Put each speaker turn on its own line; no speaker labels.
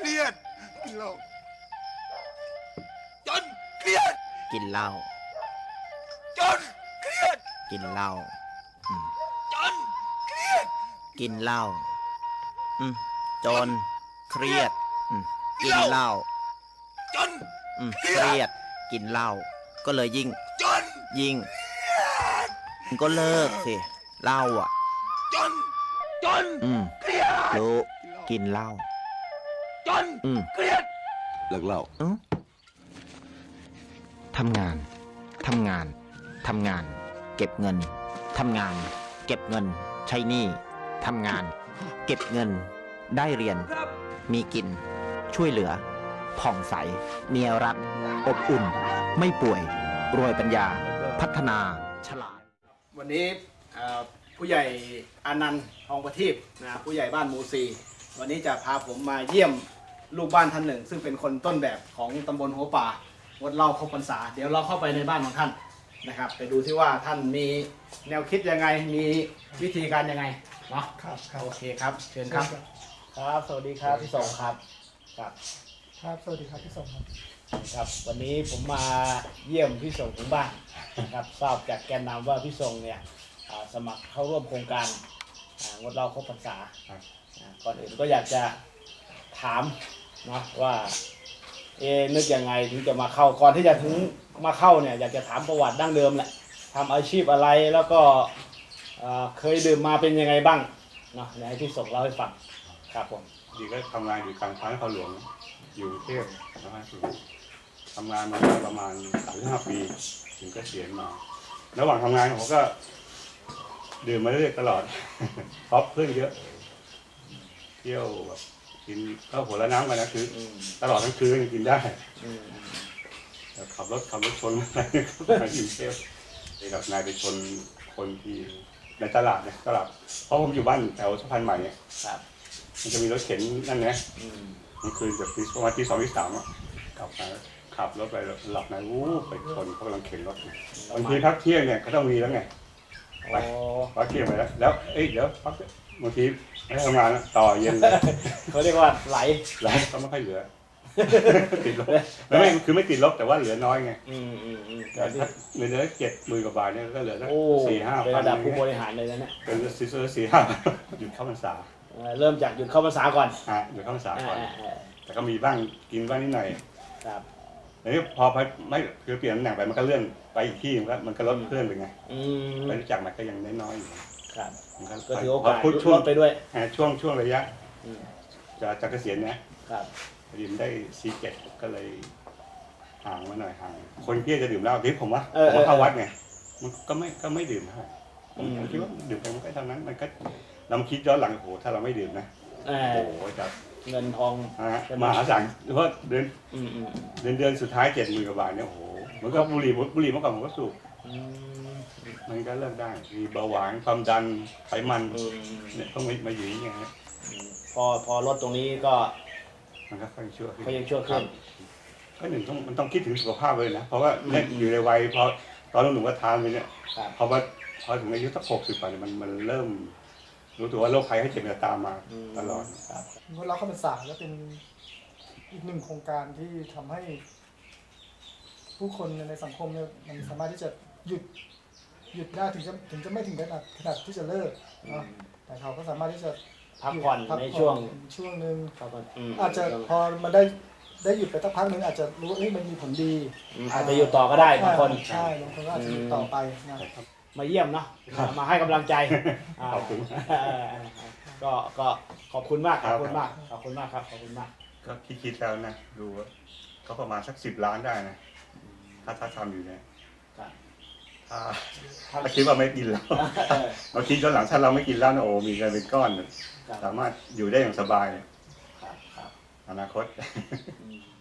เครียดกินเหล้าจนเครียด
กินเหล้า
จนเครียด
กินเหล้า
จนเครียด
กินเหล้าจนเครียดกินเหล้า
จน
เครียดกินเหล้าก็เลยยิ่งก็เลิกสิเหล้าอ่ะ
จนเครียด
รู้กินเหล้า
จนเครียด
เลิกเหล้า
ทำงานเก็บเงินทำงานเก็บเงินใช้หนี้ทำงานเก็บเงินได้เรียนมีกินช่วยเหลือผ่องใสเมียรักอบอุ่นไม่ป่วยรวยปัญญาพัฒนาฉลาด
วันนี้ผู้ใหญ่อานันต์ทองประทีปนะผู้ใหญ่บ้านหมู่ซีวันนี้จะพาผมมาเยี่ยมลูกบ้านท่านหนึ่งซึ่งเป็นคนต้นแบบของตำบลหัวป่างดเหล้าครบพรรษาเดี๋ยวเราเข้าไปในบ้านของท่านนะครับไปดูที่ว่าท่านมีแนวคิดยังไงมีวิธีการยังไงเนาะ
ครับ
โอเคครับเชิญครับครับสวัสดีครับพี่สงครับ
ครับสวัสดีครับพี่สง
ครับวันนี้ผมมาเยี่ยมพี่สงถึงบ้านนะครับทราบจากแกนนำว่าพี่สงเนี่ยสมัครเข้าร่วมโครงการงดเหล้าครบพรรษาก่อนอื่นก็อยากจะถามนะว่านึกยังไงถึงจะมาเข้าก่อนที่จะถึงมาเข้าเนี่ยอยากจะถามประวัติดั้งเดิมแหละทำอาชีพอะไรแล้วก็เคยดื่มมาเป็นยังไงบ้างเนาะให้พี่สงเล่าให้ฟังครับผม
ดีก็ทำงานอยู่กลางพระนครหลวงอยู่กรุงเทพนะครับทำงานมาประมาณ35 ปีถึงเกษียณมาระหว่างทำงานผมก็ดื่มมาเรื่อยตลอดเพราะเพื่อนเยอะเที่ยวแบบกินข้าวหัวละน้ำกันนะคือตลอดทั้งคืนกินได้ขับรถชนอะไรอยู่เที่ยวกับนายไปชนคนที่ในตลาดเนี่ยตลาดเพราะผมอยู่บ้านแถวสะพานใหม่เนี่ยมันจะมีรถเข็นนั่นนะมันคืนจากประมาณตี 2 ตี 3อ่ะกลับมาขับรถไปหลับในไปชนเขากำลังเข็นรถบางทีพักเที่ยงเนี่ยเขาต้องมีแล้วไงไปพักเที่ยงไปแล้วเดี๋ยวพักบางทีไม่ทำงานต่อเย็น
เขาเรียกว่าไหล
ก็ไม่ค่อยเหลือติดลบไม่คือไม่ติดลบแต่ว่าเหลือน้อยไงแต่ถ้าเงินเดือน70,000 กว่าบาทเนี่ยก็เหลือสัก4-5
เป็นระดับผู้บริหารเลยนะเนี่ย
เป็น4-5หยุดเข้าพรรษา
เริ่มจากหยุดเข้าพรรษาก่อน
หยุดเข้าพรรษาก่อนแต่ก็มีบ้างกินบ้างนิดหน่อย
ครับ
อันนี้พอไม่คือเปลี่ยนตำแหน่งไปมันก็เลื่อนไปอีกที่มันก็ลดเพื่อนไปไงไปรู้จักมันก็ยังน้อยอยู่
ครับก็ถือโอกาสลดไปด้วย
ช่วงระยะจะเกษียณนะครับดื่มได้47ก็เลยห่างมาหน่อยห่างคนที่จะดื่มเหล้าที่ผมว่าเข้าวัดไงมันก็ไม่ดื่มเท่าไหร่ผมคิดว่าดื่มไปมันก็เท่านั้นมันก็เราคิดย้อนหลังโอ้โหถ้าเราไม่ดื่มนะโอ้โหจะ
เงินทอง
มหาศาลเพราะเดือนสุดท้าย70,000 กว่าบาทเนี่ยโอ้โหมันก็บุหรี่เมื่อก่อนผมก็สูบมันก็เลิกได้มีเบาหวานความดันไขมันเนี่ยต้องมาอยู่อย่างเงี้ย
พอลดตรงนี้ก็
มันก็ค่อยชั่ว
ขึ้น
ก็หนึ่งมันต้องคิดถึงสุขภาพเลยนะเพราะว่าเนี่ยอยู่ในวัยพอตอนหนุ่มก็ทานไปเนี่ยพอถึงอายุสัก60 ไปมันเริ่มรู้ตัวว่าโรคภัยไข้เจ็บจะตามมาตลอด
งดเหล้าเข้าพรรษาแล้วเป็นอีกหนึ่งโครงการที่ทำให้ผู้คนในสังคมเนี่ยมันสามารถที่จะหยุดได้ถึงจะไม่ถึงขนาดที่จะเลิกเนาะแต่เขาก็สามารถที่จะ
พักผ่อนในช่ว
งนึงอาจจะพอมันได้หยุดไปสักพักนึงอาจจะรู้ว่ามันมีผลดี
อาจจะหยุดต่อก็ได้บางคน
ใช่บางคนก็อาจจะหยุดต่อไปนะ
มาเยี่ยมเนาะมาให้กำลังใจ
ขอบคุณ
ก็ขอบคุณมากครับขอบคุณมาก
ก็คิดแล้วนะดูว่าก็ประมาณสัก10 ล้านได้นะถ้าทำอยู่เนี่ยถ้าคิดว่าไม่กินแล้วเราคิดย้อนหลังถ้าเราไม่กินแล้วนะโอ้มีเงินเป็นก้อนสามารถอยู่ได้อย่างสบายอนาคต